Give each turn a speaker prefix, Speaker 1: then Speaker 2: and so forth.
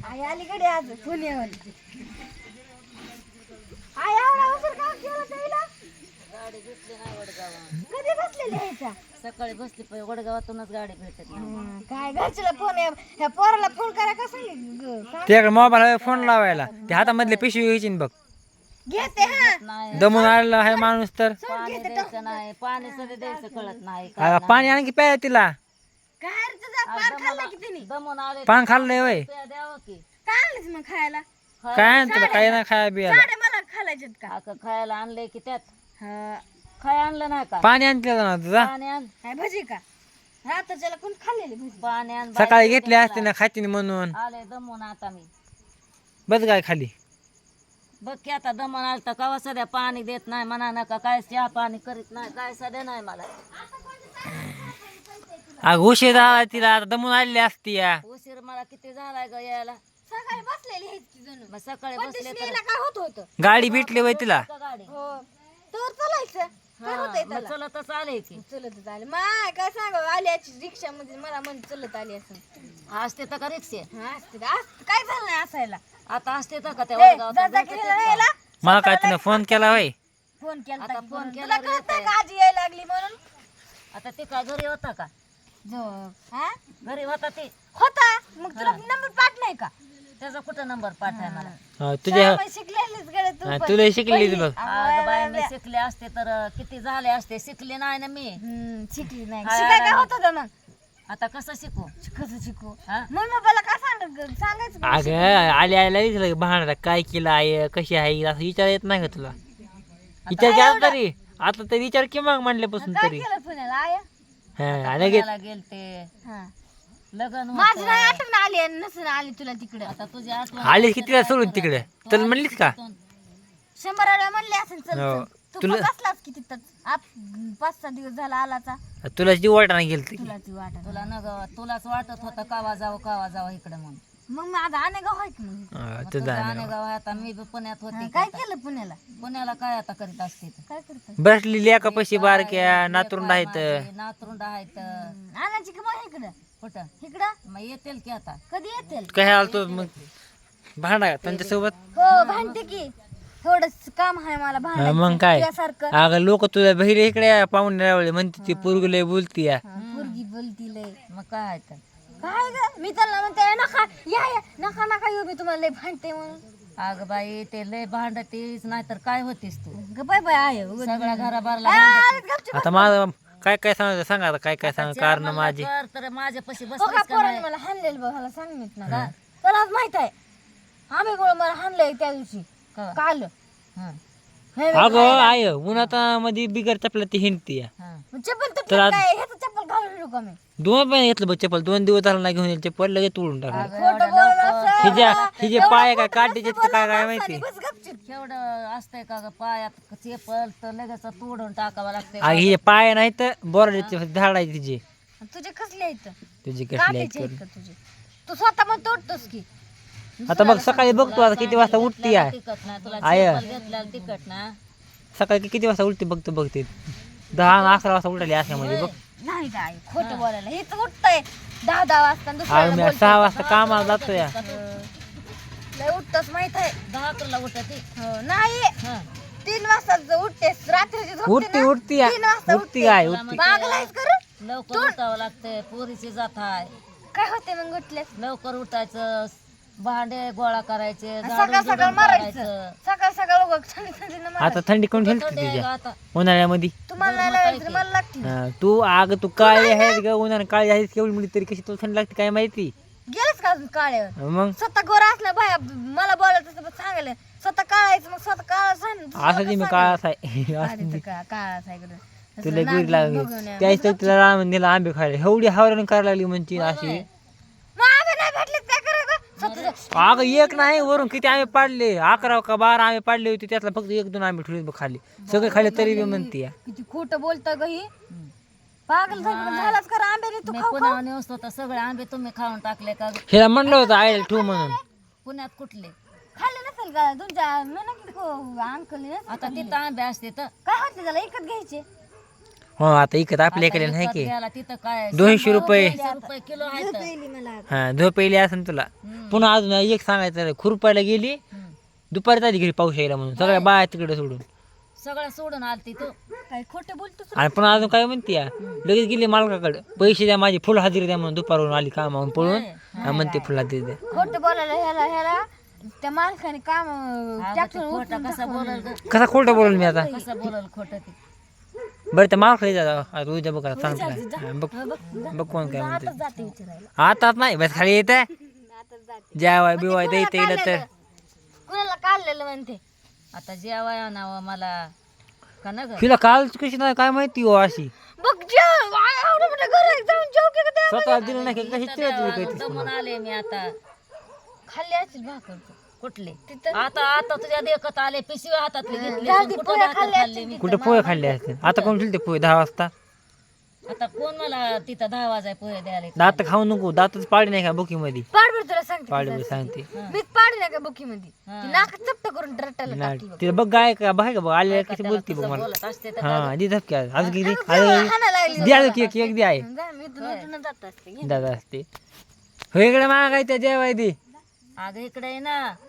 Speaker 1: आई अलीकडे आज पुण्याहून. आई एवढा उशीर का केला त्याला?
Speaker 2: गाडी भेटली नाही वडगावात.
Speaker 1: कधी बसलेली आहे का?
Speaker 2: सकाळी बसली पण वडगावातूनच गाडी भेटत नाही.
Speaker 1: काय घरच्याला फोन ह्या पोराला फोन करा का सांगितलं?
Speaker 3: त्याकडे मोबाईल फोन लावायला ते हातामधले पिशवी घ्यायची ना बघ.
Speaker 1: घेते हा.
Speaker 2: नाही
Speaker 3: दमून आलेला आहे माणूस तर.
Speaker 2: पाणी द्यायचं नाही, पाणी सुद्धा द्यायचं कळत नाही.
Speaker 3: पाणी आणखी प्याय तिला.
Speaker 1: काय रे तुझा पान खाल्ला की तिने?
Speaker 2: दमून आले
Speaker 3: पान खाल्लंय वय.
Speaker 2: द्यावं की.
Speaker 1: काय आणलंस मग खायला?
Speaker 3: काय आणतं काय नाही खाया बियाला.
Speaker 1: साडे मला खायलायच्यात का?
Speaker 2: आता खायला आणलंय की त्यात
Speaker 1: हा.
Speaker 2: खाय आणलं नाही का?
Speaker 3: पाणी आणते ना तुझा.
Speaker 2: पाणी आण,
Speaker 1: काय भजी का? रात्रीच्याला कोण खाल्लेली भजी?
Speaker 2: पाणी आण.
Speaker 3: सकाळी घेतली असते ना खाती म्हणून.
Speaker 2: आले दमून आता मी.
Speaker 3: बस काय खाली.
Speaker 2: बघ की आता दमून आलं तर कवा सध्या पाणी देत नाही म्हणा नका, काय चहा पाणी करीत नाही, काय सध्या नाही मला.
Speaker 3: अग उशीर झाला तिला आता दमून आलेली असती या.
Speaker 2: उशीर मला किती झालाय ग यायला.
Speaker 1: सकाळी बसलेली आहे ती जणू.
Speaker 2: मग सकाळी
Speaker 1: पण
Speaker 2: बसले तर
Speaker 1: दिसलेला काय होत होतं?
Speaker 3: गाडी भेटली वय तिला.
Speaker 2: का गाडी
Speaker 1: हो. तर चालायचं. काय होतंय
Speaker 2: मग
Speaker 1: त्याला?
Speaker 2: चलतच आले की.
Speaker 1: चलतच आले. माय काय सांगावं आल्याची रिक्षा मध्ये मला म्हण चलत आली असं.
Speaker 2: असते तर का रिक्षे
Speaker 1: हा असते का? काय झालं नाही असायला?
Speaker 2: आता असते तर का त्या
Speaker 1: ए,
Speaker 2: वडगावात
Speaker 1: जा
Speaker 2: भेटते
Speaker 1: केलेला
Speaker 2: का?
Speaker 1: यायला?
Speaker 3: मला काय तिने फोन केला वय.
Speaker 1: फोन केला
Speaker 2: आता
Speaker 1: होता की
Speaker 2: फोन
Speaker 1: म्हणून.
Speaker 2: केला
Speaker 1: तुला
Speaker 2: रे
Speaker 1: कळत नाही का आजी यायला लागली म्हणून?
Speaker 2: आता ते का घरी होता का?
Speaker 1: जो हा
Speaker 2: घरी होता ते.
Speaker 1: होता मग तुला नंबर पाठ नाही का?
Speaker 2: त्याचा कुठं नंबर पाठाय मला?
Speaker 3: तुझ्या
Speaker 1: शाळेमध्ये शिकलेलीच गड्या तू पण.
Speaker 3: तुला शिकली बघ.
Speaker 2: अगं बाई मी शिकले असते तर किती झाले असते. शिकले नाही ना मी.
Speaker 1: शिकली नाही.
Speaker 2: हाय,
Speaker 1: शिकाय काय
Speaker 2: हाय.
Speaker 1: होतं का मग?
Speaker 2: आता कसं शिकू?
Speaker 1: कसं शिकू?
Speaker 2: हा?
Speaker 1: मग मला काय सांगायचं का?
Speaker 3: अगं आली आयला विचारलं भांडा काय केलं आहे कशी आहे असं विचार येत नाही का तुला. विचार केला तरी आता तरी विचार की मग म्हणल्यापासून
Speaker 1: काय
Speaker 3: तरी.
Speaker 1: केलं पुण्याला आया?
Speaker 3: हा लगेच
Speaker 2: पुण्याला गेलते,
Speaker 1: हा.
Speaker 2: लग्न
Speaker 1: माझी नाही
Speaker 2: होतं.
Speaker 1: आठवण आली आणि नसून आली तुला तिकडे.
Speaker 2: आता तुझी आठवण
Speaker 3: आली की तिला सोडून तिकडे चल म्हणलीस का.
Speaker 1: 100 वेळा म्हणले असेल चल
Speaker 3: हो.
Speaker 1: चल. तू
Speaker 3: तुला-
Speaker 1: पण बसलाच की तिथंच. 5-6 दिवस झाला आलाचा.
Speaker 3: तुला जीव वाटाणा गेलती.
Speaker 1: तुला ती वाटत.
Speaker 2: तुला न ग तुलाच वाटत होतं कावा जावं इकडे म्हणून.
Speaker 1: मग माझा अनेगाव आहे की मग.
Speaker 2: मग
Speaker 3: तुझा
Speaker 2: तुझं अनेगाव आहे. आता मी बी पुण्यात
Speaker 1: हा,
Speaker 2: होते.
Speaker 1: काय केलं पुण्याला?
Speaker 2: पुण्याला काय आता करीत असते ते?
Speaker 1: काय करत?
Speaker 3: बसलेली एका पैसे बारक्या नातरुंड आहेत.
Speaker 2: नातरुंड आहेत.
Speaker 1: आणायची की मग इकडं?
Speaker 2: कुठं
Speaker 1: इकडं
Speaker 2: मग येतील की आता.
Speaker 1: कधी येतील?
Speaker 3: काय आलतो मग भांडा त्यांच्यासोबत.
Speaker 1: हो भांडते की. थोडस काम आहे मला
Speaker 3: हा,
Speaker 1: भांडायचं.
Speaker 3: मग काय
Speaker 1: तुझ्यासारखं.
Speaker 3: अगं लोक तुला बहिर इकडे पाहुणे रावळे म्हणते ती पोरगी लय बोलती या.
Speaker 1: पोरगी बोलती लय.
Speaker 2: मग काय तर
Speaker 1: काय ग मी त्यांना म्हणते नका या नका नका येऊ मी तुम्हाला लय भांडते म्हणून.
Speaker 2: अगं बाई ते लय भांडतीस नाहीतर काय होतीस तू.
Speaker 1: ग बाय बाय आहे उगाच.
Speaker 2: सगळ्या घराबारला
Speaker 1: आलेत गपचूप.
Speaker 3: आता माझं काय काय सांगायचं सांगा आता काय काय सांग कारण माझी.
Speaker 2: कर तर माझ्यापाशी
Speaker 1: हो का
Speaker 2: बसलीस का
Speaker 1: पोराने
Speaker 2: नाही?
Speaker 1: मला हाणलेलं बघ मला सांगित ना त्याला माहित आहे. आम्ही गोळ मला हाणलंय त्या दिवशी
Speaker 2: का?
Speaker 1: काल.
Speaker 2: हं,
Speaker 1: हे
Speaker 3: अगं आय उन्हात मध्ये बिगर चपला ती हिंडती या.
Speaker 2: हं.
Speaker 1: चप्पल तुटलं काय ह्याचं चप्पल घालून येऊ का मी?
Speaker 3: दोन पण घेतलं बघ चप्पल 2 दिवस झाला नाही घेऊन येईल चप्पल लगेच तोडून टाकलं.
Speaker 1: खोटं बोलणं
Speaker 3: हिजे पाय काय काढते काय काय माहिती.
Speaker 1: बस गपचूप.
Speaker 2: केवढं असतंय का ग पायात चेपल तर लगेच तोडून टाकावं लागतंय.
Speaker 3: अगं हिचे पाय नाही तर बोराचे झाड आहे तिचे
Speaker 1: तुझे कसले आहेत?
Speaker 3: तुझी कसली
Speaker 1: काटेचे आहेत का तुझे? तू स्वतः मग तोडतोस की.
Speaker 3: आता बघ सकाळी बघतो आता किती वाजता उठती या.
Speaker 2: तिकट ना तुला
Speaker 3: आय.
Speaker 2: चेपल घेतल्याला तिकट ना.
Speaker 3: सकाळी किती वाजता उठते बघते 10-11 वाजता उठाली अशामध्ये बघ.
Speaker 1: नाही काय खोटं बोलायला हेच उठतंय 10 वाजता आणि
Speaker 3: अगं
Speaker 1: दुसऱ्याला
Speaker 3: मी
Speaker 1: बोलतोय.
Speaker 3: 6 वाजता कामाला जातो या.
Speaker 1: लय उठतोस माहित आहे.
Speaker 2: 10 किलो उठती.
Speaker 1: हो, नाही
Speaker 2: हं.
Speaker 1: 3 वाजता उठतेस रात्रीची झोपते
Speaker 3: उठती
Speaker 1: ना?
Speaker 3: उठती या.
Speaker 1: 3 वाजता
Speaker 3: उठती काय
Speaker 2: तुला
Speaker 3: उठती.
Speaker 1: पागल आहेस का रे?
Speaker 2: लवकर उठावं लागतंय. पोरीची जात आहे.
Speaker 1: काय होते मग उठलेस?
Speaker 2: लवकर उठायचं, भांडे गोळा करायचे,
Speaker 1: सकाळ
Speaker 2: झाडून
Speaker 1: सकाळ
Speaker 2: बिडून
Speaker 1: मारायचं.
Speaker 2: काढायचं.
Speaker 1: सकाळ सकाळ उगं थंडी थंडीनं
Speaker 3: आता
Speaker 1: मारायचं.
Speaker 3: थंडी कोण
Speaker 2: थंडी
Speaker 3: ठेवते
Speaker 2: आहे का
Speaker 3: तुझ्या
Speaker 2: आता?
Speaker 3: उन्हाळ्यामध्ये.
Speaker 1: तुम्हाला नाही लावायचं मला लागते.
Speaker 3: तू आग तू काळी आहेस ग उन्हाळ्यात काळी आहेस केवढी मिळते तरी कशी तुला थंडी लागते काय माहिती.
Speaker 1: गेलच का अजून काळ्यावर?
Speaker 3: मग
Speaker 1: स्वतः गोरा असला बाया मला बोलायचं तर सांगायला स्वतः काळायचं मग स्वतः काळा सांग.
Speaker 3: असं ती मी काळाच आहे
Speaker 1: काळाच आहे इकडं.
Speaker 3: तुला गुड लागली त्याच तर तिला राम दिला आंबे खायला एवढी हावरण करायला लागली म्हणती अशी.
Speaker 1: मग आम्ही नाही भेटलेत काय करायचं? स्वतः
Speaker 3: अगं एक नाही वरून किती आंबे पाडले 11 का 12 आंबे पाडले होते त्यातला फक्त 1-2 आंबे ठेवले बघ खाली सगळे खाली तरी बी म्हणते या.
Speaker 1: किती खोटं बोलतं ग ही. पागल झालाच का आंब्याने तू
Speaker 2: मी
Speaker 1: खाऊ
Speaker 2: पुण्यावर नेवतो तर सगळे आंबे तुम्ही खाऊन टाकले का?
Speaker 3: हिला म्हणलं होतं आईला ठेव म्हणून.
Speaker 2: पुण्यात कुठले?
Speaker 1: खाल्ले नसेल का तुमच्या म्हणा की अंकल
Speaker 2: आता तिथं आंबे असते तर
Speaker 1: काय होते त्याला एकच घ्यायचे.
Speaker 3: हो आता इकत आपल्या इकडे नाही की
Speaker 2: गेला तिथं काय
Speaker 3: 200 रुपये
Speaker 2: ₹100 किलो आहे तर.
Speaker 1: पहिली मला
Speaker 3: हा झोप पहिली असेल तुला. पुन्हा अजून एक सांगायचं खुरपायला गेली दुपारी आधी घरी पाऊस यायला म्हणून सगळ्या बाया तिकडे सोडून
Speaker 2: सगळं सोडून आलती तू.
Speaker 1: काय खोटं बोलतोस
Speaker 3: आणि पुन्हा अजून काय म्हणते या लगेच गेली मालकाकडे पैसे द्या माझी फुल हजेरी द्या म्हणून दुपारवरून आली कामावून पळून हा म्हणते फुल हजेरी द्या.
Speaker 1: खोटं बोलायला ह्याला त्या माणसाने काम
Speaker 2: खोटं कसं बोलल ग?
Speaker 3: कसा खोटं बोलल मी आता
Speaker 2: कसं बोलल खोटं ते?
Speaker 3: बरं त्या मालकाला जा उद्या बघा सांगतो काय हा, बघ बघ कोण काय म्हणते
Speaker 1: जाते विचारायला
Speaker 3: आता नाही बस खाली येत
Speaker 1: आता जाते
Speaker 3: जेवाय बिवाय द्यायचं येईल तर
Speaker 1: कुणाला काढलेलं म्हणते
Speaker 2: आता जेवाय आणावं मला का ना ग?
Speaker 3: तिला काल कशी नाही काय माहिती हो अशी
Speaker 1: बघ जेव एवढं मोठं घर आहे, जाऊन जेव की त्या
Speaker 3: स्वतः दिलं नाही कशी चिडत
Speaker 2: दमून आले मी आता.
Speaker 1: खाल्ली असेल भाकर तू.
Speaker 2: कुठले
Speaker 1: तिथं
Speaker 2: आता आता तुझ्या देखत आले पिशवी हातातली घेतली
Speaker 1: जाऊ
Speaker 2: पण
Speaker 1: दे,
Speaker 2: कुठं
Speaker 1: पोळ्या
Speaker 2: भाकर
Speaker 1: खाल्ल्या
Speaker 2: खाल्ली मी.
Speaker 3: कुठे पोहे खाल्ले असते आता कोण ठेवते पोहे 10 वाजता
Speaker 2: आता कोण मला तिथं 10 वाजाय पोहे द्यायला येतं?
Speaker 3: दात खाऊ नको दातच पाडी नाही का बुकी मध्ये
Speaker 1: पाड बरं तुला सांगते
Speaker 3: पाडी सांगते
Speaker 1: मीच पाड नाही का बुकी मध्ये ती नाक चपट करून रट्टाला
Speaker 3: नाही
Speaker 1: टाकली बघ.
Speaker 3: तिला बघ गाय का बाय का बघ आले कशी
Speaker 2: त्याला
Speaker 3: बोलते बघ
Speaker 2: कसं
Speaker 3: मला
Speaker 2: बोलत असते तर
Speaker 3: हा दे धपकी आज किती
Speaker 1: हाणायला लागली.
Speaker 3: द्या केक केक द्या आहे
Speaker 1: जा, मी इथून उठून जात असते
Speaker 3: दादा असते हो इकडे मागायचं जेवाय दे
Speaker 2: अगं इकडे आहे ना